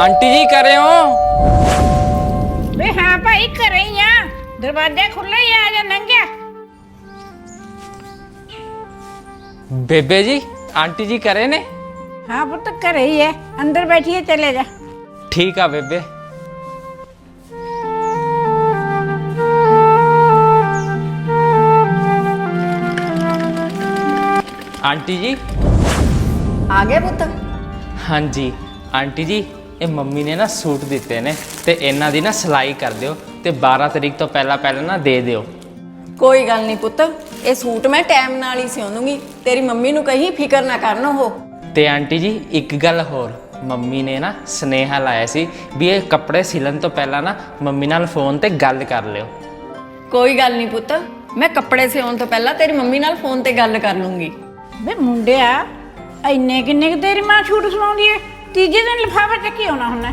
Aunty जी कर रहे हो? वे हाँ भाई कर रही हैं, दरवाजा खुला ही आ जा नंगे। बेबे जी आंटी जी करे ने? हाँ पुत्र कर रही है, अंदर बैठिए चले जा। ठीक है बेबे। आंटी जी आ गया पुत्त। हाँ जी आंटी जी ये मम्मी ने ना सूट दिते ने ते इन्हां दी ना सिलाई कर दियो ते 12 तरीक तो पहला ना दे दियो। कोई गल नहीं पुत्त, ये सूट मैं टाइम नाल ही सिउं दूंगी। तेरी मम्मी नू कहीं फिकर ना करना हो। ते आंटी जी एक गल होर, मम्मी ने ना स्नेहा लाया सी भी ये कपड़े सिलन तो पहला ना मम्मी नाल फोन ते गल कर लियो। कोई गल नहीं पुत्त, मैं कपड़े सिउण तो पहला तेरी मम्मी नाल फोन ते गल कर लूंगी। वे मुंडिया इन्ने किन्ने की तेरी मां छूट सुनाउंदी है, तीजे दिन लिफाफा चक्की आउणा हुंदा।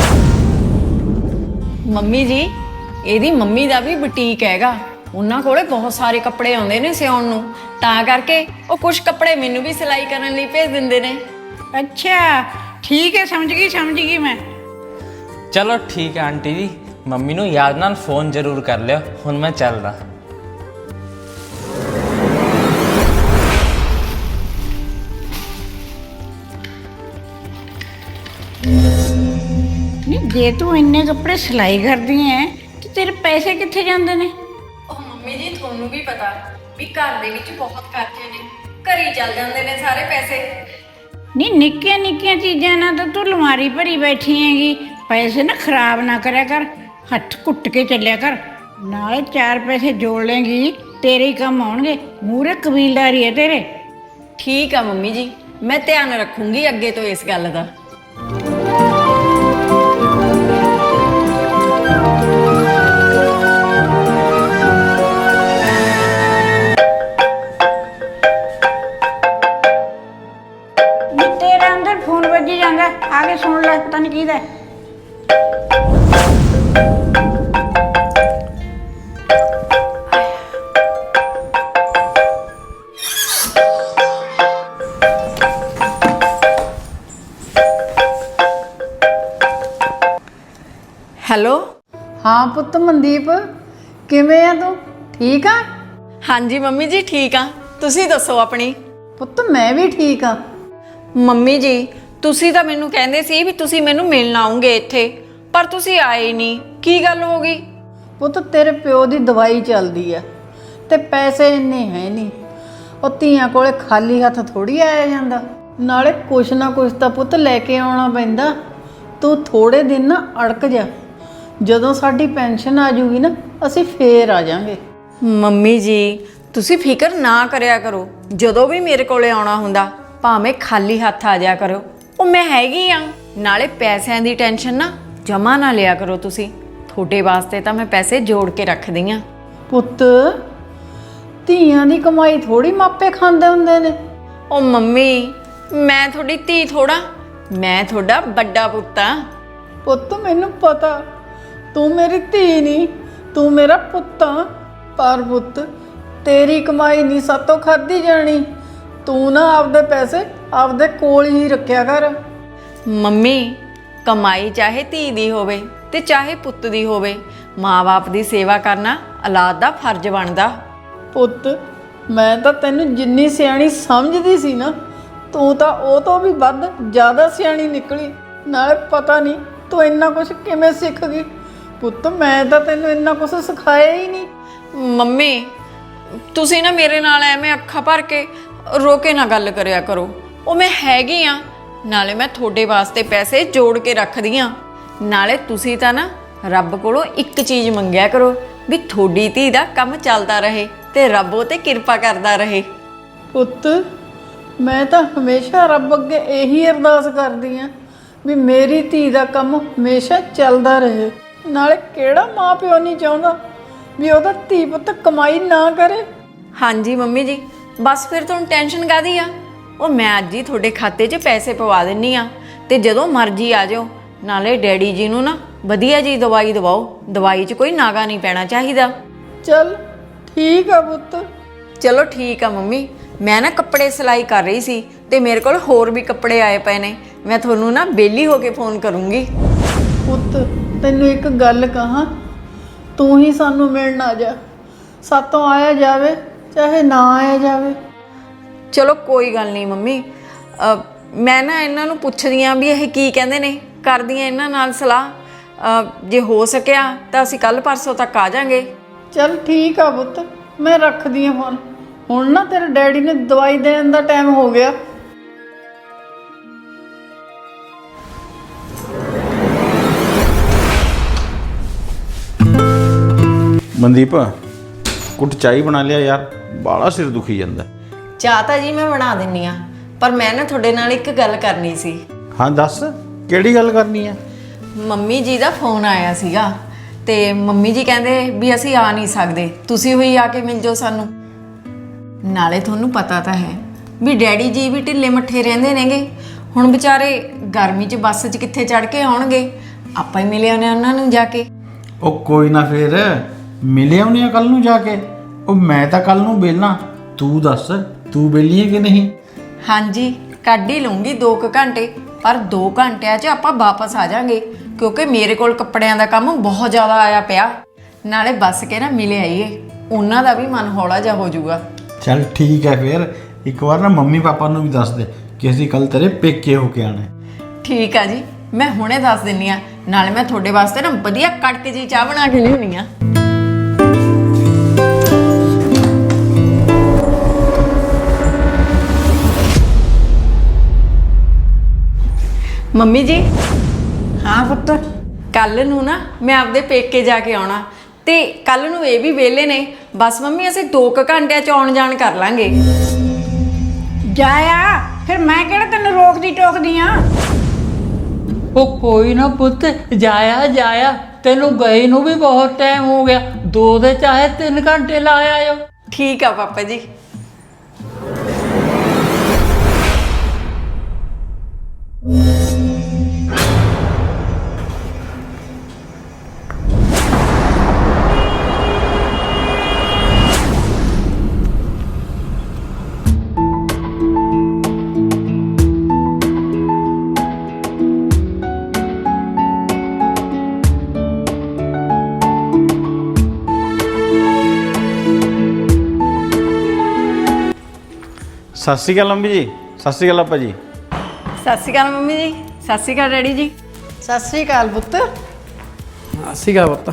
मम्मी जी ਇਹਦੀ ਮੰਮੀ ਦਾ ਵੀ ਬੁਟੀਕ ਹੈਗਾ, ਉਹਨਾਂ ਕੋਲੇ ਬਹੁਤ ਸਾਰੇ ਕੱਪੜੇ ਆਉਂਦੇ ਨੇ ਸਿਉਣ ਨੂੰ, ਤਾਂ ਕਰਕੇ ਉਹ ਕੁਝ ਕੱਪੜੇ ਮੈਨੂੰ ਵੀ ਸਿਲਾਈ ਕਰਨ ਲਈ ਭੇਜ ਦਿੰਦੇ ਨੇ। अच्छा ठीक है, समझ गई मैं। चलो ठीक है आंटी जी, मम्मी नू याद नाल फोन जरूर कर लियो। हुण मैं चलदा। नहीं जे तू इन्ने कपड़े सिलाई करदी है तो तेरे पैसे कित्थे जांदे ने? ਉਹ ਮੰਮੀ ਜੀ ਤੁਹਾਨੂੰ ਵੀ ਪਤਾ ਵੀ ਘਰ ਦੇ ਵਿੱਚ ਬਹੁਤ ਖਰਚੇ ਨੇ, ਘਰੀ ਚੱਲ ਜਾਂਦੇ ਨੇ ਸਾਰੇ ਪੈਸੇ। नहीं निक्कियां निक्कियां चीज़ां ना तो तू अलमारी भरी बैठी हैगी, पैसे ना खराब ना करया कर, हथ कुट के चलिया कर, नाले 4 पैसे जोड़ लेंगी तेरे ही काम आउणगे, मूहरे कबीलदारी है तेरे। ਠੀਕ ਆ ਮੰਮੀ ਜੀ, ਮੈਂ ਧਿਆਨ ਰੱਖੂੰਗੀ ਅੱਗੇ ਤੋਂ ਇਸ ਗੱਲ ਦਾ। नी तेरा अंदर फोन बजी जांदा, आगे सुन ले पता नहीं किहदा है। ਹੈਲੋ। ਹਾਂ ਪੁੱਤ ਮਨਦੀਪ, ਕਿਵੇਂ ਆ ਤੂੰ? ਠੀਕ ਆ ਹਾਂਜੀ ਮੰਮੀ ਜੀ ਠੀਕ ਆ, ਤੁਸੀਂ ਦੱਸੋ ਆਪਣੀ? ਪੁੱਤ? ਮੈਂ ਵੀ ਠੀਕ ਆ। ਮੰਮੀ ਜੀ ਤੁਸੀਂ ਤਾਂ ਮੈਨੂੰ ਕਹਿੰਦੇ ਸੀ ਵੀ ਤੁਸੀਂ ਮੈਨੂੰ ਮਿਲਣ ਆਉਂਗੇ ਇੱਥੇ, ਪਰ ਤੁਸੀਂ ਆਏ ਹੀ ਨਹੀਂ, ਕੀ ਗੱਲ ਹੋ ਗਈ? ਪੁੱਤ ਤੇਰੇ ਪਿਓ ਦੀ ਦਵਾਈ ਚੱਲਦੀ ਆ ਤੇ ਪੈਸੇ ਇੰਨੇ ਹੈ ਨਹੀਂ, ਉਹ ਧੀਆਂ ਕੋਲੇ ਖਾਲੀ ਹੱਥ ਥੋੜੀ ਆਇਆ ਜਾਂਦਾ, ਨਾਲੇ ਕੁਛ ਨਾ ਕੁਛ ਤਾਂ ਪੁੱਤ ਲੈ ਕੇ ਆਉਣਾ ਪੈਂਦਾ। ਤੂੰ ਥੋੜੇ ਦਿਨ ਨਾ ਅੜਕ ਜਾ, ਜਦੋਂ ਸਾਡੀ ਪੈਨਸ਼ਨ ਆ ਜੂਗੀ ਨਾ ਅਸੀਂ ਫੇਰ ਆ ਜਾਾਂਗੇ। ਮੰਮੀ ਜੀ ਤੁਸੀਂ ਫਿਕਰ ਨਾ ਕਰਿਆ ਕਰੋ, ਜਦੋਂ ਵੀ ਮੇਰੇ ਕੋਲੇ ਆਉਣਾ ਹੁੰਦਾ ਭਾਵੇਂ ਖਾਲੀ ਹੱਥ ਆ ਜਾਇਆ ਕਰੋ, ਉਹ ਮੈਂ ਹੈਗੀ ਆ। ਨਾਲੇ ਪੈਸਿਆਂ ਦੀ ਟੈਨਸ਼ਨ ਨਾ ਜਮਾ ਨਾ ਲਿਆ ਕਰੋ ਤੁਸੀਂ, ਤੁਹਾਡੇ ਵਾਸਤੇ ਤਾਂ ਮੈਂ ਪੈਸੇ ਜੋੜ ਕੇ ਰੱਖਦੀ ਆ। ਪੁੱਤ ਧੀਆਂ ਦੀ ਕਮਾਈ ਥੋੜੀ ਮਾਪੇ ਖਾਂਦੇ ਹੁੰਦੇ ਨੇ। ਉਹ ਮੰਮੀ ਮੈਂ ਤੁਹਾਡੀ ਧੀ ਥੋੜਾ, ਮੈਂ ਤੁਹਾਡਾ ਵੱਡਾ ਪੁੱਤ ਆ। ਪੁੱਤ ਮੈਨੂੰ ਪਤਾ ਤੂੰ ਮੇਰੀ ਧੀ ਨਹੀਂ, ਤੂੰ ਮੇਰਾ ਪੁੱਤ ਆ, ਪਰ ਪੁੱਤ ਤੇਰੀ ਕਮਾਈ ਨਹੀਂ ਸਾਤੋਂ ਖਾਧੀ ਜਾਣੀ। ਤੂੰ ਨਾ ਆਪਦੇ ਪੈਸੇ ਆਪਦੇ ਕੋਲ ਹੀ ਰੱਖਿਆ ਕਰ। ਮੰਮੀ ਕਮਾਈ ਚਾਹੇ ਧੀ ਦੀ ਹੋਵੇ ਤੇ ਚਾਹੇ ਪੁੱਤ ਦੀ ਹੋਵੇ, ਮਾਂ-ਬਾਪ ਦੀ ਸੇਵਾ ਕਰਨਾ ਔਲਾਦ ਦਾ ਫਰਜ਼ ਬਣਦਾ। ਪੁੱਤ ਮੈਂ ਤਾਂ ਤੈਨੂੰ ਜਿੰਨੀ ਸਿਆਣੀ ਸਮਝਦੀ ਸੀ ਨਾ, ਤੂੰ ਤਾਂ ਉਹ ਤੋਂ ਵੀ ਵੱਧ ਜ਼ਿਆਦਾ ਸਿਆਣੀ ਨਿਕਲੀ। ਨਾਲੇ ਪਤਾ ਨਹੀਂ ਤੂੰ ਇੰਨਾ ਕੁਝ ਕਿਵੇਂ ਸਿੱਖ ਗਈ। ਪੁੱਤ ਮੈਂ ਤਾਂ ਤੈਨੂੰ ਇੰਨਾ ਕੁਝ ਸਿਖਾਇਆ ਹੀ ਨਹੀਂ। ਮੰਮੀ ਤੁਸੀਂ ਨਾ ਮੇਰੇ ਨਾਲ ਐਵੇਂ ਅੱਖਾਂ ਭਰ ਕੇ ਰੋ ਕੇ ਨਾ ਗੱਲ ਕਰਿਆ ਕਰੋ, ਉਹ ਮੈਂ ਹੈਗੀ ਆ, ਨਾਲੇ ਮੈਂ ਤੁਹਾਡੇ ਵਾਸਤੇ ਪੈਸੇ ਜੋੜ ਕੇ ਰੱਖਦੀ ਆ। ਨਾਲੇ ਤੁਸੀਂ ਤਾਂ ਨਾ ਰੱਬ ਕੋਲੋਂ ਇੱਕ ਚੀਜ਼ ਮੰਗਿਆ ਕਰੋ ਵੀ ਤੁਹਾਡੀ ਧੀ ਦਾ ਕੰਮ ਚੱਲਦਾ ਰਹੇ ਤੇ ਰੱਬ ਉਹ ਤੇ ਕਿਰਪਾ ਕਰਦਾ ਰਹੇ। ਪੁੱਤ ਮੈਂ ਤਾਂ ਹਮੇਸ਼ਾ ਰੱਬ ਅੱਗੇ ਇਹੀ ਅਰਦਾਸ ਕਰਦੀ ਆ ਵੀ ਮੇਰੀ ਧੀ ਦਾ ਕੰਮ ਹਮੇਸ਼ਾ ਚੱਲਦਾ ਰਹੇ। ਨਾਲੇ ਕਿਹੜਾ ਮਾਂ ਪਿਓ ਨਹੀਂ ਚਾਹੁੰਦਾ ਵੀ ਉਹਦਾ ਧੀ ਪੁੱਤ ਕਮਾਈ ਨਾ ਕਰੇ। ਹਾਂਜੀ ਮੰਮੀ ਜੀ ਬਸ ਫਿਰ ਤੁਹਾਨੂੰ ਟੈਨਸ਼ਨ ਕਾਹਦੀ ਆ, ਉਹ ਮੈਂ ਅੱਜ ਹੀ ਤੁਹਾਡੇ ਖਾਤੇ 'ਚ ਪੈਸੇ ਪਵਾ ਦਿੰਨੀ ਆ ਤੇ ਜਦੋਂ ਮਰਜ਼ੀ ਆ ਜਾਓ। ਨਾਲੇ ਡੈਡੀ ਜੀ ਨੂੰ ਨਾ ਵਧੀਆ ਜੀ ਦਵਾਈ ਦਵਾਓ, ਦਵਾਈ 'ਚ ਕੋਈ ਨਾਗਾ ਨਹੀਂ ਪੈਣਾ ਚਾਹੀਦਾ। ਚੱਲ ਠੀਕ ਆ ਪੁੱਤ। ਚਲੋ ਠੀਕ ਆ ਮੰਮੀ, ਮੈਂ ਨਾ ਕੱਪੜੇ ਸਿਲਾਈ ਕਰ ਰਹੀ ਸੀ ਤੇ ਮੇਰੇ ਕੋਲ ਹੋਰ ਵੀ ਕੱਪੜੇ ਆਏ ਪਏ ਨੇ। ਮੈਂ ਤੁਹਾਨੂੰ ਨਾ ਵਿਹਲੀ ਹੋ ਕੇ ਫੋਨ ਕਰੂੰਗੀ। ਪੁੱਤ ਤੈਨੂੰ ਇੱਕ ਗੱਲ ਕਹਾਂ, ਤੂੰ ਹੀ ਸਾਨੂੰ ਮਿਲਣ ਆ ਜਾ। ਸਾਤੋਂ ਆਇਆ ਜਾਵੇ ਚਾਹੇ ਨਾ ਆਇਆ ਜਾਵੇ। ਚਲੋ ਕੋਈ ਗੱਲ ਨਹੀਂ ਮੰਮੀ, ਮੈਂ ਨਾ ਇਹਨਾਂ ਨੂੰ ਪੁੱਛਦੀ ਆਂ ਵੀ ਇਹ ਕੀ ਕਹਿੰਦੇ ਨੇ, ਕਰਦੀ ਆਂ ਇਹਨਾਂ ਨਾਲ ਸਲਾਹ। ਜੇ ਹੋ ਸਕਿਆ ਤਾਂ ਅਸੀਂ ਕੱਲ ਪਰਸੋਂ ਤੱਕ ਆ ਜਾਾਂਗੇ। ਚੱਲ ਠੀਕ ਆ ਪੁੱਤ, ਮੈਂ ਰੱਖਦੀ ਹਾਂ ਫੋਨ। ਹੁਣ ਨਾ ਤੇਰੇ ਡੈਡੀ ਨੇ ਦਵਾਈ ਦੇਣ ਦਾ ਟਾਈਮ ਹੋ ਗਿਆ। ਮਨਦੀਪ ਕੁੱਟ ਚਾਈ ਬਣਾ ਲਿਆ ਯਾਰ, ਬਾਲਾ ਸਿਰ ਦੁਖੀ ਜਾਂਦਾ। ਚਾਹ ਤਾਂ ਜੀ ਮੈਂ ਬਣਾ ਦਿੰਨੀ ਆ, ਪਰ ਮੈਂ ਨਾ ਤੁਹਾਡੇ ਨਾਲ ਇੱਕ ਗੱਲ ਕਰਨੀ ਸੀ। ਹਾਂ ਦੱਸ, ਕਿਹੜੀ ਗੱਲ ਕਰਨੀ ਹੈ? ਮੰਮੀ ਜੀ ਦਾ ਫੋਨ ਆਇਆ ਸੀਗਾ ਤੇ ਮੰਮੀ ਜੀ ਕਹਿੰਦੇ ਵੀ ਅਸੀਂ ਆ ਨਹੀਂ ਸਕਦੇ, ਤੁਸੀਂ ਹੋਈ ਆ ਕੇ ਮਿਲ ਜਾਓ ਸਾਨੂੰ। ਨਾਲੇ ਤੁਹਾਨੂੰ ਪਤਾ ਤਾਂ ਹੈ ਵੀ ਡੈਡੀ ਜੀ ਵੀ ਢਿੱਲੇ ਮੱਠੇ ਰਹਿੰਦੇ ਨੇਗੇ। ਹੁਣ ਵਿਚਾਰੇ ਗਰਮੀ 'ਚ ਬੱਸ 'ਚ ਕਿੱਥੇ ਚੜ ਕੇ ਆਉਣਗੇ, ਆਪਾਂ ਹੀ ਮਿਲੇ ਆਉਣੇ ਉਹਨਾਂ ਨੂੰ ਜਾ ਕੇ। ਉਹ ਕੋਈ ਨਾ, ਫੇਰ ਮਿਲੇ ਆਉਣੇ ਆ ਕੱਲ ਨੂੰ ਜਾ ਕੇ। ਉਹ ਮੈਂ ਤਾਂ ਕੱਲ ਨੂੰ ਵਿਹਲਾ, ਤੂੰ ਦੱਸ ਤੂੰ ਵਿਹਲੀ ਹੈ ਕਿ ਨਹੀਂ? ਹਾਂਜੀ ਕੱਢ ਹੀ ਲੂੰਗੀ 2 ਘੰਟੇ, ਪਰ 2 ਘੰਟਿਆਂ 'ਚ ਆਪਾਂ ਵਾਪਸ ਆ ਜਾਾਂਗੇ ਕਿਉਂਕਿ ਮੇਰੇ ਕੋਲ ਕੱਪੜਿਆਂ ਦਾ ਕੰਮ ਬਹੁਤ ਜ਼ਿਆਦਾ ਆਇਆ ਪਿਆ। ਨਾਲੇ ਬੱਸ ਕੇ ਨਾ ਮਿਲੇ ਆਈਏ, ਉਹਨਾਂ ਦਾ ਵੀ ਮਨ ਹੌਲਾ ਜਿਹਾ ਹੋ ਜਾਊਗਾ। ਚੱਲ ਠੀਕ ਹੈ, ਫੇਰ ਇੱਕ ਵਾਰ ਨਾ ਮੰਮੀ ਪਾਪਾ ਨੂੰ ਵੀ ਦੱਸ ਦੇ ਕਿ ਅਸੀਂ ਕੱਲ ਤੇਰੇ ਪੇਕੇ ਹੋ ਕੇ ਆਣਾ। ਠੀਕ ਆ ਜੀ, ਮੈਂ ਹੁਣੇ ਦੱਸ ਦਿੰਨੀ ਆ। ਨਾਲੇ ਮੈਂ ਤੁਹਾਡੇ ਵਾਸਤੇ ਨਾ ਵਧੀਆ ਕੜਕ ਜੀ ਚਾਹ ਬਣਾ ਕੇ ਲਿਆਉਣੀ ਆ। ਮੰਮੀ ਜੀ, ਹਾਂ ਪੁੱਤ, ਕੱਲ ਨੂੰ ਨਾ ਮੈਂ ਆਪਦੇ ਪੇਕੇ ਜਾ ਕੇ ਆਉਣਾ ਤੇ ਕੱਲ ਨੂੰ ਇਹ ਵੀ ਵਿਹਲੇ ਨੇ। ਬਸ ਮੰਮੀ ਅਸੀਂ 2 ਘੰਟਿਆਂ 'ਚ ਆਉਣ ਜਾਣ ਕਰ ਲਾਂਗੇ। ਜਾਇਆ ਫਿਰ ਮੈਂ ਕਿਹੜਾ ਤੈਨੂੰ ਰੋਕਦੀ ਟੋਕਦੀ ਆ। ਉਹ ਕੋਈ ਨਾ ਪੁੱਤ, ਜਾਇਆ ਜਾਇਆ, ਤੈਨੂੰ ਗਏ ਨੂੰ ਵੀ ਬਹੁਤ ਟਾਈਮ ਹੋ ਗਿਆ। 2 ਦੇ ਚਾਹੇ 3 ਘੰਟੇ ਲਾ ਆਇਓ। ਠੀਕ ਆ ਪਾਪਾ ਜੀ। ਸਤਿ ਸ਼੍ਰੀ ਅਕਾਲ ਮੰਮੀ ਜੀ, ਸਤਿ ਸ਼੍ਰੀ ਅਕਾਲ ਆਪਾ ਜੀ। ਸਤਿ ਸ਼੍ਰੀ ਅਕਾਲ ਮੰਮੀ ਜੀ, ਸਤਿ ਸ਼੍ਰੀ ਅਕਾਲ ਡੈਡੀ ਜੀ। ਸਤਿ ਸ੍ਰੀ ਅਕਾਲ ਪੁੱਤ। ਸੀਗਾ ਪੁੱਤ।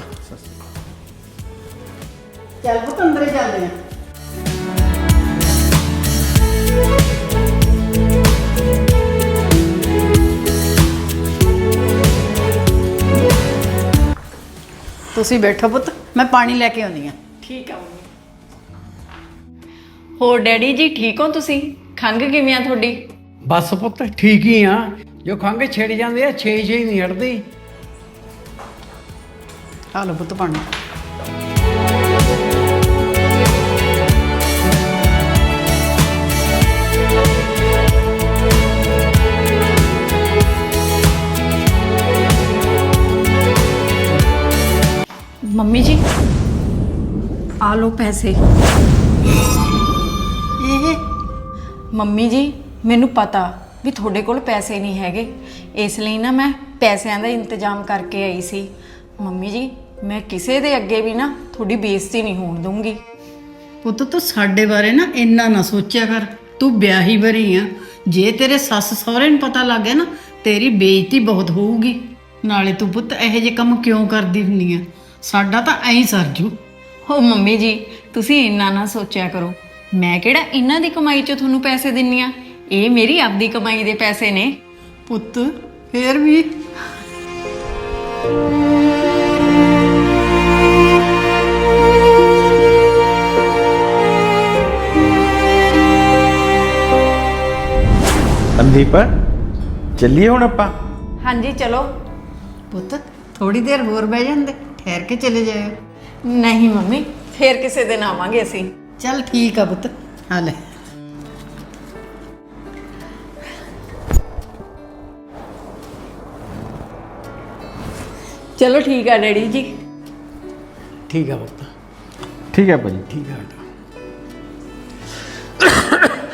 ਚੱਲ ਪੁੱਤ ਅੰਦਰ ਹੀ ਚੱਲਦੇ ਆ। ਤੁਸੀਂ ਬੈਠੋ ਪੁੱਤ, ਮੈਂ ਪਾਣੀ ਲੈ ਕੇ ਆਉਂਦੀ ਆ। ਠੀਕ ਆ ਮੰਮੀ। ਹੋਰ ਡੈਡੀ ਜੀ ਠੀਕ ਹੋ ਤੁਸੀਂ? ਖੰਘ ਕਿਵੇਂ ਆ ਤੁਹਾਡੀ? ਬਸ ਪੁੱਤ ਠੀਕ ਹੀ ਆ, ਜੋ ਖੰਘ ਛਿੜ ਜਾਂਦੇ ਆ 6 ਨਹੀਂ ਹਟਦੀ। ਆ ਲਓ ਪੁੱਤ ਪਾਣੀ। ਮੰਮੀ ਜੀ ਆ ਲਓ ਪੈਸੇ। ਇਹ ਮੰਮੀ ਜੀ ਮੈਨੂੰ ਪਤਾ ਵੀ ਤੁਹਾਡੇ ਕੋਲ ਪੈਸੇ ਨਹੀਂ ਹੈਗੇ, ਇਸ ਲਈ ਨਾ ਮੈਂ ਪੈਸਿਆਂ ਦਾ ਇੰਤਜ਼ਾਮ ਕਰਕੇ ਆਈ ਸੀ। ਮੰਮੀ ਜੀ ਮੈਂ ਕਿਸੇ ਦੇ ਅੱਗੇ ਵੀ ਨਾ ਤੁਹਾਡੀ ਬੇਇੱਜ਼ਤੀ ਨਹੀਂ ਹੋਣ ਦੂੰਗੀ। ਪੁੱਤ ਤੂੰ ਸਾਡੇ ਬਾਰੇ ਨਾ ਇੰਨਾ ਨਾ ਸੋਚਿਆ ਕਰ। ਤੂੰ ਵਿਆਹੀ ਵਰੀ ਆ, ਜੇ ਤੇਰੇ ਸੱਸ ਸਹੁਰੇ ਨੂੰ ਪਤਾ ਲੱਗ ਗਿਆ ਨਾ ਤੇਰੀ ਬੇਇੱਜ਼ਤੀ ਬਹੁਤ ਹੋਊਗੀ। ਨਾਲੇ ਤੂੰ ਪੁੱਤ ਇਹੋ ਜਿਹੇ ਕੰਮ ਕਿਉਂ ਕਰਦੀ ਹੁੰਦੀ ਆ? ਸਾਡਾ ਤਾਂ ਐਂ ਸਰਜੂ। ਹੋ ਮੰਮੀ ਜੀ ਤੁਸੀਂ ਇੰਨਾ ਨਾ ਸੋਚਿਆ ਕਰੋ, ਮੈਂ ਕਿਹੜਾ ਇਹਨਾਂ ਦੀ ਕਮਾਈ 'ਚੋਂ ਤੁਹਾਨੂੰ ਪੈਸੇ ਦਿੰਨੀ ਆ, ਇਹ ਮੇਰੀ ਆਪਦੀ ਕਮਾਈ ਦੇ ਪੈਸੇ ਨੇ। ਪੁੱਤ ਫੇਰ ਵੀ ਮਨਦੀਪ ਚੱਲੀਏ ਹੁਣ ਆਪਾਂ? ਹਾਂਜੀ ਚਲੋ। ਪੁੱਤ ਥੋੜੀ ਦੇਰ ਹੋਰ ਬਹਿ ਜਾਂਦੇ, ਠਹਿਰ ਕੇ ਚਲੇ ਜਾਇਓ। ਨਹੀਂ ਮੰਮੀ, ਫੇਰ ਕਿਸੇ ਦਿਨ ਆਵਾਂਗੇ ਅਸੀਂ। ਚੱਲ ਠੀਕ ਆ ਪੁੱਤ, ਆ ਲੈ। ਚਲੋ ਠੀਕ ਆ ਡੈਡੀ ਜੀ। ਠੀਕ ਆ ਪੁੱਤ, ਠੀਕ ਹੈ ਭਾਜੀ। ਠੀਕ ਆ ਬੇਟਾ।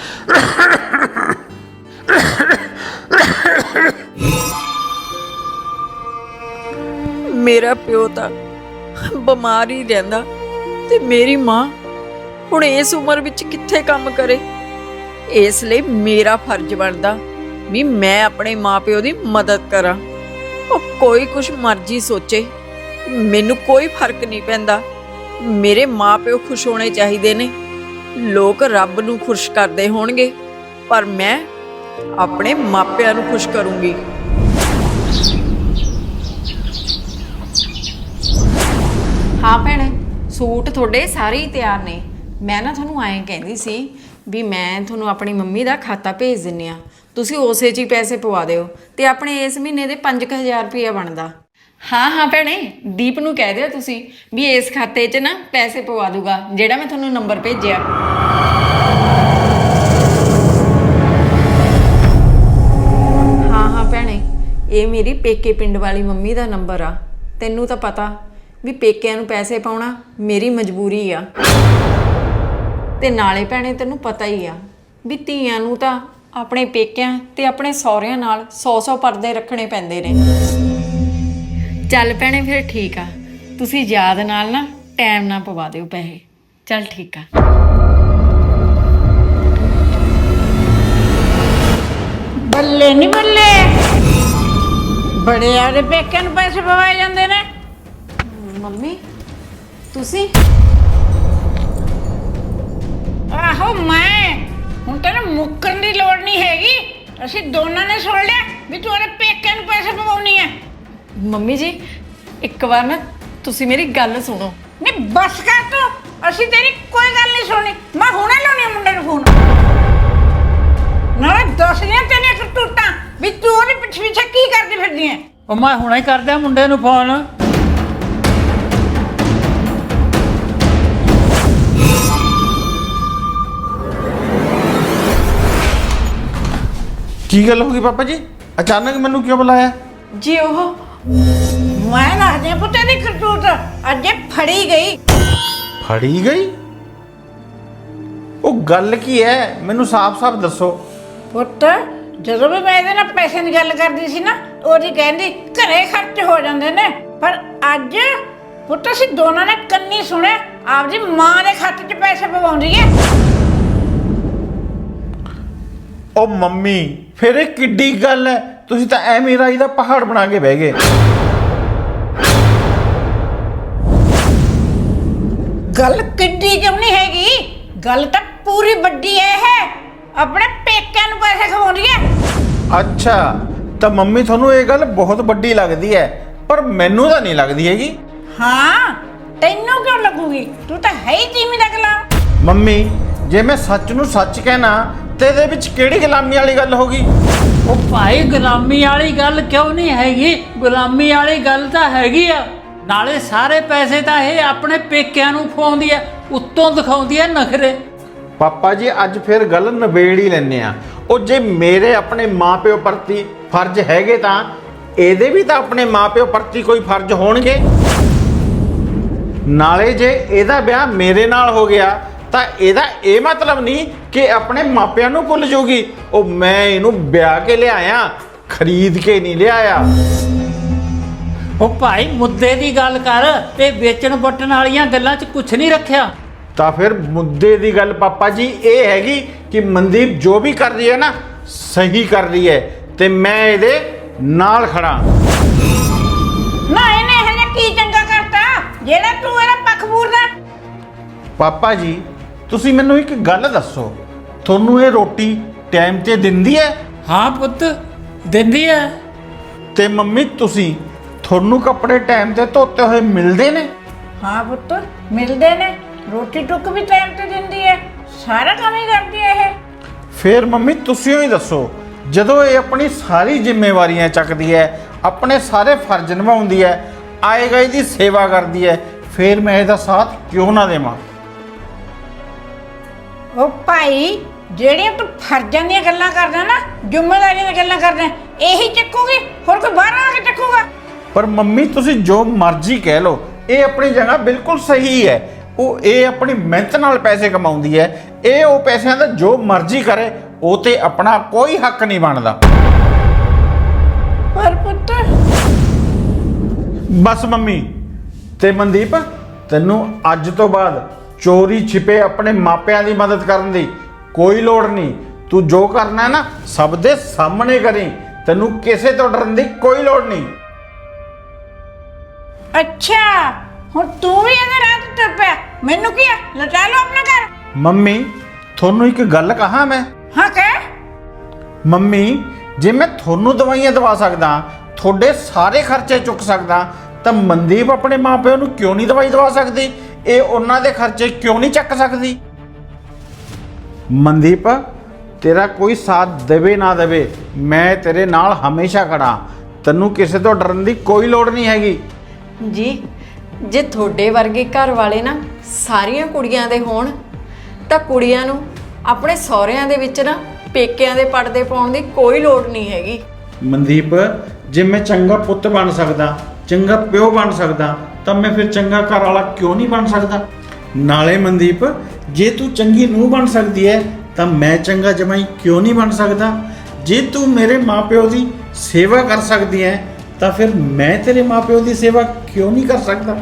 ਮੇਰਾ ਪਿਓ ਤਾਂ ਬਿਮਾਰ ਹੀ ਰਹਿੰਦਾ ਤੇ ਮੇਰੀ ਮਾਂ ਹੁਣ ਇਸ ਉਮਰ ਵਿੱਚ ਕਿੱਥੇ ਕੰਮ ਕਰੇ। ਇਸ ਲਈ ਮੇਰਾ ਫਰਜ਼ ਬਣਦਾ ਵੀ ਮੈਂ ਆਪਣੇ ਮਾਪਿਓ ਦੀ ਮਦਦ ਕਰਾਂ। ਉਹ ਕੋਈ ਕੁਛ ਮਰਜ਼ੀ ਸੋਚੇ, ਮੈਨੂੰ ਕੋਈ ਫਰਕ ਨਹੀਂ ਪੈਂਦਾ। ਮੇਰੇ ਮਾਪਿਓ ਖੁਸ਼ ਹੋਣੇ ਚਾਹੀਦੇ ਨੇ। ਲੋਕ ਰੱਬ ਨੂੰ ਖੁਸ਼ ਕਰਦੇ ਹੋਣਗੇ, ਪਰ ਮੈਂ ਆਪਣੇ ਮਾਪਿਆਂ ਨੂੰ ਖੁਸ਼ ਕਰੂੰਗੀ। ਹਾਂ ਭੈਣੇ, ਸੂਟ ਤੁਹਾਡੇ ਸਾਰੇ ਹੀ ਤਿਆਰ ਨੇ। ਮੈਂ ਨਾ ਤੁਹਾਨੂੰ ਐਂ ਕਹਿੰਦੀ ਸੀ ਵੀ ਮੈਂ ਤੁਹਾਨੂੰ ਆਪਣੀ ਮੰਮੀ ਦਾ ਖਾਤਾ ਭੇਜ ਦਿੰਨੀ ਆ, ਤੁਸੀਂ ਉਸੇ 'ਚ ਹੀ ਪੈਸੇ ਪਵਾ ਦਿਓ ਤੇ ਆਪਣੇ ਇਸ ਮਹੀਨੇ ਦੇ 5000 ਰੁਪਇਆ ਬਣਦਾ। ਹਾਂ ਭੈਣੇ, ਦੀਪ ਨੂੰ ਕਹਿ ਦਿਓ ਤੁਸੀਂ ਵੀ ਇਸ ਖਾਤੇ 'ਚ ਨਾ ਪੈਸੇ ਪਵਾ ਦੂਗਾ ਜਿਹੜਾ ਮੈਂ ਤੁਹਾਨੂੰ ਨੰਬਰ ਭੇਜਿਆ। ਹਾਂ ਭੈਣੇ, ਇਹ ਮੇਰੀ ਪੇਕੇ ਪਿੰਡ ਵਾਲੀ ਮੰਮੀ ਦਾ ਨੰਬਰ ਆ। ਤੈਨੂੰ ਤਾਂ ਪਤਾ ਵੀ ਪੇਕਿਆਂ ਨੂੰ ਪੈਸੇ ਪਾਉਣਾ ਮੇਰੀ ਮਜਬੂਰੀ ਆ, ਤੇ ਨਾਲੇ ਭੈਣੇ ਤੈਨੂੰ ਪਤਾ ਹੀ ਆ ਵੀ ਧੀਆਂ ਨੂੰ ਤਾਂ ਆਪਣੇ ਪੇਕਿਆਂ ਤੇ ਆਪਣੇ ਸਹੁਰਿਆਂ ਨਾਲ 100 ਪਰਦੇ ਰੱਖਣੇ ਪੈਂਦੇ ਨੇ। ਚੱਲ ਭੈਣੇ ਫਿਰ ਠੀਕ ਆ, ਤੁਸੀਂ ਯਾਦ ਨਾਲ ਨਾ ਟਾਈਮ ਨਾਲ ਪਵਾ ਦਿਓ ਪੈਸੇ। ਚੱਲ ਠੀਕ ਆ। ਬੱਲੇ ਨਹੀਂ ਬੱਲੇ, ਬੜੇ ਆਦੇ ਪੇਕਿਆਂ ਨੂੰ ਪੈਸੇ ਪਵਾਏ ਜਾਂਦੇ ਨੇ। ਮੰਮੀ ਤੁਸੀਂ? ਆਹੋ ਮੈਂ, ਹੁਣ ਤੈਨੂੰ ਮੁੱਕਰਨ ਦੀ ਲੋੜ ਨਹੀਂ ਹੈਗੀ। ਅਸੀਂ ਦੋਨਾਂ ਨੇ ਸੁਣ ਲਿਆ ਵੀ ਤੂੰ ਉਹਦੇ ਪੇਕਿਆਂ ਨੂੰ ਪੈਸੇ ਪਵਾਉਣੀ ਹੈ। ਮੰਮੀ ਜੀ ਇੱਕ ਵਾਰ ਨਾ ਤੁਸੀਂ ਮੇਰੀ ਗੱਲ ਸੁਣੋ। ਨਹੀਂ ਬਸ ਕਰ ਤੂੰ, ਅਸੀਂ ਤੇਰੀ ਕੋਈ ਗੱਲ ਨਹੀਂ ਸੁਣਨੀ। ਮੈਂ ਹੁਣੇ ਲਾਉਣੀ ਆ ਮੁੰਡੇ ਨੂੰ ਫੋਨ, ਨਾਲੇ ਦੱਸਦੀਆਂ ਤੇਰੀਆਂ ਕਰਤੂਤਾਂ ਵੀ ਤੂੰ ਉਹਦੇ ਪਿੱਛੇ ਪਿੱਛੇ ਕੀ ਕਰਦੀ ਫਿਰਦੀ ਹੈ। ਉਹ ਮੈਂ ਹੁਣੇ ਹੀ ਕਰਦਾ ਮੁੰਡੇ ਨੂੰ ਫੋਨ। ਕੀ ਗੱਲ ਹੋ ਗਈ ਪਾਪਾ ਜੀ, ਅਚਾਨਕ ਮੈਨੂੰ ਕਿਉਂ ਬੁਲਾਇਆ? ਜੀ ਉਹ ਮੈਂ ਦੱਸਦੀ ਆ ਪੁੱਤ ਦੀ ਕਰਤੂਤ ਅੱਜ ਇਹ ਫੜੀ ਗਈ। ਫੜੀ ਗਈ? ਉਹ ਗੱਲ ਕੀ ਹੈ, ਮੈਨੂੰ ਸਾਫ਼-ਸਾਫ਼ ਦੱਸੋ। ਪੁੱਤ ਜਦੋਂ ਵੀ ਮੈਂ ਇਹਦੇ ਨਾਲ ਪੈਸੇ ਦੀ ਗੱਲ ਕਰਦੀ ਸੀ ਨਾ, ਉਹਦੀ ਕਹਿੰਦੀ ਘਰੇ ਖਰਚ ਹੋ ਜਾਂਦੇ ਨੇ, ਪਰ ਅੱਜ ਪੁੱਤ ਅਸੀਂ ਦੋਨਾਂ ਨੇ ਕੰਨੀ ਸੁਣਿਆ ਆਪਦੀ ਮਾਂ ਦੇ ਖਾਤੇ 'ਚ ਪੈਸੇ ਪਵਾਉਂਦੀ ਹੈ। ਉਹ ਮੰਮੀ, ਫਿਰ ਇਹ ਕਿੱਡੀ ਗੱਲ ਹੈ? ਤੁਸੀਂ ਤਾਂ ਐਵੇਂ ਰਾਈ ਦਾ ਪਹਾੜ ਬਣਾ ਕੇ ਬਹਿ ਗਏ। ਗੱਲ ਕਿੱਡੀ ਕਿਉਂ ਨਹੀਂ ਹੈਗੀ, ਗੱਲ ਤਾਂ ਪੂਰੀ ਵੱਡੀ ਹੈ। ਆਪਣੇ ਪੇਕਿਆਂ ਨੂੰ ਪੈਸੇ ਖਵਾਉਂਦੀ ਹੈ। ਅੱਛਾ, ਤਾਂ ਮੰਮੀ ਤੁਹਾਨੂੰ ਇਹ ਗੱਲ ਬਹੁਤ ਵੱਡੀ ਲੱਗਦੀ ਹੈ, ਪਰ ਮੈਨੂੰ ਤਾਂ ਨਹੀਂ ਲੱਗਦੀ ਹੈਗੀ। ਹਾਂ, ਤੈਨੂੰ ਕਿਉਂ ਲੱਗੂਗੀ? ਤੂੰ ਤਾਂ ਹੈ ਹੀ ਤੀਵੀਂ ਦਾ ਗੁਲਾਮ। ਮੰਮੀ, ਜੇ ਮੈਂ ਸੱਚ ਨੂੰ ਸੱਚ ਕਹਿਣਾ ਤੇ ਇਹਦੇ ਵਿੱਚ ਕਿਹੜੀ ਗੁਲਾਮੀ ਵਾਲੀ ਗੱਲ ਹੋ ਗਈ? ਉਹ ਭਾਈ ਗੁਲਾਮੀ ਵਾਲੀ ਗੱਲ ਕਿਉਂ ਨਹੀਂ ਹੈਗੀ? ਗੁਲਾਮੀ ਵਾਲੀ ਗੱਲ ਤਾਂ ਹੈਗੀ ਆ। ਨਾਲੇ ਸਾਰੇ ਪੈਸੇ ਤਾਂ ਇਹ ਆਪਣੇ ਪੇਕਿਆਂ ਨੂੰ ਖਵਾਉਂਦੀ ਐ, ਉੱਤੋਂ ਦਿਖਾਉਂਦੀ ਐ ਨਖਰੇ। ਪਾਪਾ ਜੀ, ਅੱਜ ਫਿਰ ਗੱਲ ਨਿਬੇੜ ਹੀ ਲੈਂਦੇ ਆ। ਉਹ ਜੇ ਮੇਰੇ ਆਪਣੇ ਮਾਪਿਓ ਪ੍ਰਤੀ ਫਰਜ਼ ਹੈਗੇ ਤਾਂ ਇਹਦੇ ਵੀ ਤਾਂ ਆਪਣੇ ਮਾਪਿਓ ਪ੍ਰਤੀ ਕੋਈ ਫਰਜ਼ ਹੋਣਗੇ। ਨਾਲੇ ਜੇ ਇਹਦਾ ਵਿਆਹ ਮੇਰੇ ਨਾਲ ਹੋ ਗਿਆ ਤਾਂ ਇਹਦਾ ਇਹ ਮਤਲਬ ਨਹੀਂ ਕਿ ਆਪਣੇ ਮਾਪਿਆਂ ਨੂੰ ਭੁੱਲ ਜਾਊਗੀ। ਉਹ ਮੈਂ ਇਹਨੂੰ ਵਿਆਹ ਕੇ ਲਿਆਇਆ, ਖਰੀਦ ਕੇ ਨਹੀਂ ਲਿਆਇਆ। ਉਹ ਭਾਈ ਮੁੱਦੇ ਦੀ ਗੱਲ ਕਰ, ਤੇ ਵੇਚਣ ਵਟਣ ਵਾਲੀਆਂ ਗੱਲਾਂ 'ਚ ਕੁਝ ਨਹੀਂ ਰੱਖਿਆ। ਤਾਂ ਫਿਰ ਮੁੱਦੇ ਦੀ ਗੱਲ ਪਾਪਾ ਜੀ ਇਹ ਹੈਗੀ ਕਿ ਮਨਦੀਪ ਜੋ ਵੀ ਕਰ ਰਹੀ ਹੈ ਨਾ, ਸਹੀ ਕਰ ਰਹੀ ਹੈ ਤੇ ਮੈਂ ਇਹਦੇ ਨਾਲ ਖੜਾ। ਨਾ ਇਹਨੇ ਹਜੇ ਕੀ ਚੰਗਾ ਕਰਤਾ ਜਿਹੜਾ ਤੂੰ ਇਹਦਾ ਪੱਖ ਪੂਰਦਾ? ਪਾਪਾ ਜੀ, ਤੁਸੀਂ ਮੈਨੂੰ ਇੱਕ ਗੱਲ ਦੱਸੋ, ਤੁਹਾਨੂੰ ਇਹ ਰੋਟੀ ਟਾਈਮ ਤੇ ਦਿੰਦੀ ਹੈ? ਹਾਂ ਪੁੱਤ, ਦਿੰਦੀ ਐ। ਤੇ ਮੰਮੀ ਤੁਹਾਨੂੰ ਕੱਪੜੇ ਟਾਈਮ ਤੇ ਧੋਤੇ ਹੋਏ ਮਿਲਦੇ ਨੇ? ਹਾਂ ਪੁੱਤ, ਮਿਲਦੇ ਨੇ। ਰੋਟੀ ਟੁੱਕ ਵੀ ਟਾਈਮ ਤੇ ਦਿੰਦੀ ਹੈ, ਸਾਰਾ ਕੰਮ ਹੀ ਕਰਦੀ ਹੈ ਇਹ। ਫਿਰ ਮੰਮੀ ਤੁਸੀਂ ਹੀ ਦੱਸੋ, ਜਦੋਂ ਇਹ ਆਪਣੀ ਸਾਰੀ ਜ਼ਿੰਮੇਵਾਰੀਆਂ ਚੱਕਦੀ ਹੈ, ਆਪਣੇ ਸਾਰੇ ਫਰਜ਼ ਨਿਭਾਉਂਦੀ ਹੈ, ਆਏ ਗਏ ਦੀ ਸੇਵਾ ਕਰਦੀ ਹੈ, ਫਿਰ ਮੈਂ ਇਹਦਾ ਸਾਥ ਕਿਉਂ ਨਾ ਦੇਵਾਂ? ਉਹ ਭਾਈ, ਜਿਹੜੀਆਂ ਤੂੰ ਫਰਜ਼ਾਂ ਦੀਆਂ ਗੱਲਾਂ ਕਰਦਾ ਨਾ, ਜ਼ਿੰਮੇਵਾਰੀਆਂ ਦੀਆਂ ਗੱਲਾਂ ਕਰਦਾ, ਇਹੀ ਚੱਕੂਗੀ, ਹੋਰ ਕੋਈ ਬਾਹਰ ਆ ਕੇ ਚੱਕੂਗਾ? ਪਰ ਮੰਮੀ ਤੁਸੀਂ ਜੋ ਮਰਜ਼ੀ ਕਹਿ ਲਓ, ਇਹ ਆਪਣੀ ਜਗ੍ਹਾ ਬਿਲਕੁਲ ਸਹੀ ਹੈ। ਇਹ ਆਪਣੀ ਮਿਹਨਤ ਨਾਲ ਪੈਸੇ ਕਮਾਉਂਦੀ ਹੈ, ਇਹ ਉਹ ਪੈਸਿਆਂ ਦਾ ਜੋ ਮਰਜ਼ੀ ਕਰੇ, ਉਹ ਤੇ ਆਪਣਾ ਕੋਈ ਹੱਕ ਨਹੀਂ ਬਣਦਾ। ਪਰ ਪੁੱਤ, ਬਸ ਮੰਮੀ ਤੇ ਮਨਦੀਪ, ਤੈਨੂੰ ਅੱਜ ਤੋਂ ਬਾਅਦ ਚੋਰੀ ਛਿਪੇ ਆਪਣੇ ਮਾਪਿਆਂ ਦੀ ਮਦਦ ਕਰਨ ਦੀ ਕੋਈ ਲੋੜ ਨਹੀਂ। ਤੂੰ ਜੋ ਕਰਨਾ ਹੈ ਨਾ ਸਭ ਦੇ ਸਾਹਮਣੇ ਕਰੀ, ਤੈਨੂੰ ਕਿਸੇ ਤੋਂ ਡਰਨ ਦੀ ਕੋਈ ਲੋੜ ਨਹੀਂ। ਅੱਛਾ ਹੁਣ ਤੂੰ ਵੀ ਅਗਰ ਰਾਤ ਤੁਰ ਪਿਆ, ਮੈਨੂੰ ਕੀ ਆ, ਲਟਾ ਲਓ ਆਪਣਾ ਘਰ। ਮੰਮੀ ਤੁਹਾਨੂੰ ਇੱਕ ਗੱਲ ਕਹਾਂ ਮੈਂ? ਹਾਂ ਕਹਿ। ਮੰਮੀ ਜੇ ਮੈਂ ਤੁਹਾਨੂੰ ਦਵਾਈਆਂ ਦਵਾ ਸਕਦਾ, ਤੁਹਾਡੇ ਸਾਰੇ ਖਰਚੇ ਚੁੱਕ ਸਕਦਾ, ਤਾਂ ਮਨਦੀਪ ਆਪਣੇ ਮਾਪਿਆਂ ਨੂੰ ਕਿਉਂ ਨਹੀਂ ਦਵਾਈ ਦਵਾ ਸਕਦੀ? ਇਹ ਉਹਨਾਂ ਦੇ ਖਰਚੇ ਕਿਉਂ ਨਹੀਂ ਚੱਕ ਸਕਦੀ? ਮਨਦੀਪ ਤੇਰਾ ਕੋਈ ਸਾਥ ਦੇਵੇ ਨਾ ਦੇਵੇ, ਮੈਂ ਤੇਰੇ ਨਾਲ ਹਮੇਸ਼ਾ ਖੜਾ। ਤੈਨੂੰ ਕਿਸੇ ਤੋਂ ਡਰਨ ਦੀ ਕੋਈ ਲੋੜ ਨਹੀਂ ਹੈਗੀ। ਜੀ ਜੇ ਤੁਹਾਡੇ ਵਰਗੇ ਘਰ ਵਾਲੇ ਨਾ ਸਾਰੀਆਂ ਕੁੜੀਆਂ ਦੇ ਹੋਣ ਤਾਂ ਕੁੜੀਆਂ ਨੂੰ ਆਪਣੇ ਸਹੁਰਿਆਂ ਦੇ ਵਿੱਚ ਨਾ ਪੇਕਿਆਂ ਦੇ ਪਰਦੇ ਪਾਉਣ ਦੀ ਕੋਈ ਲੋੜ ਨਹੀਂ ਹੈਗੀ। ਮਨਦੀਪ ਜੇ ਮੈਂ ਚੰਗਾ ਪੁੱਤ ਬਣ ਸਕਦਾ, ਚੰਗਾ ਪਿਓ ਬਣ ਸਕਦਾ, ਤਾਂ ਮੈਂ ਫਿਰ ਚੰਗਾ ਘਰ ਵਾਲਾ ਕਿਉਂ ਨਹੀਂ ਬਣ ਸਕਦਾ? ਨਾਲੇ ਮਨਦੀਪ ਜੇ ਤੂੰ ਚੰਗੀ ਨੂੰਹ ਬਣ ਸਕਦੀ ਹੈ ਤਾਂ ਮੈਂ ਚੰਗਾ ਜਮਾਈ ਕਿਉਂ ਨਹੀਂ ਬਣ ਸਕਦਾ? ਜੇ ਤੂੰ ਮੇਰੇ ਮਾਪਿਓ ਦੀ ਸੇਵਾ ਕਰ ਸਕਦੀ ਹੈ ਤਾਂ ਫਿਰ ਮੈਂ ਤੇਰੇ ਮਾਪਿਓ ਦੀ ਸੇਵਾ ਕਿਉਂ ਨਹੀਂ ਕਰ ਸਕਦਾ?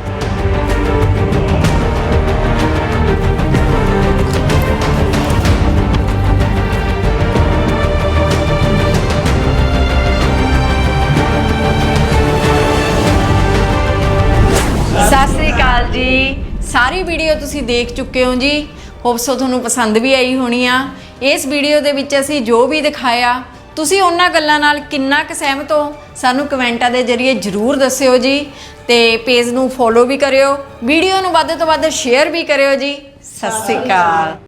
ਸਤਿ ਸ੍ਰੀ ਅਕਾਲ ਜੀ। ਸਾਰੀ ਵੀਡੀਓ ਤੁਸੀਂ ਦੇਖ ਚੁੱਕੇ ਹੋ ਜੀ। ਹੋਪਸੋ ਤੁਹਾਨੂੰ ਪਸੰਦ ਵੀ ਆਈ ਹੋਣੀ ਆ। ਇਸ ਵੀਡੀਓ ਦੇ ਵਿੱਚ ਅਸੀਂ ਜੋ ਵੀ ਦਿਖਾਇਆ, ਤੁਸੀਂ ਉਹਨਾਂ ਗੱਲਾਂ ਨਾਲ ਕਿੰਨਾ ਕੁ ਸਹਿਮਤ ਹੋ ਸਾਨੂੰ ਕਮੈਂਟਾਂ ਦੇ ਜ਼ਰੀਏ ਜ਼ਰੂਰ ਦੱਸਿਓ ਜੀ। ਤੇ ਪੇਜ ਨੂੰ ਫੋਲੋ ਵੀ ਕਰਿਓ, ਵੀਡੀਓ ਨੂੰ ਵੱਧ ਤੋਂ ਵੱਧ ਸ਼ੇਅਰ ਵੀ ਕਰਿਓ ਜੀ। ਸਤਿ ਸ੍ਰੀ ਅਕਾਲ।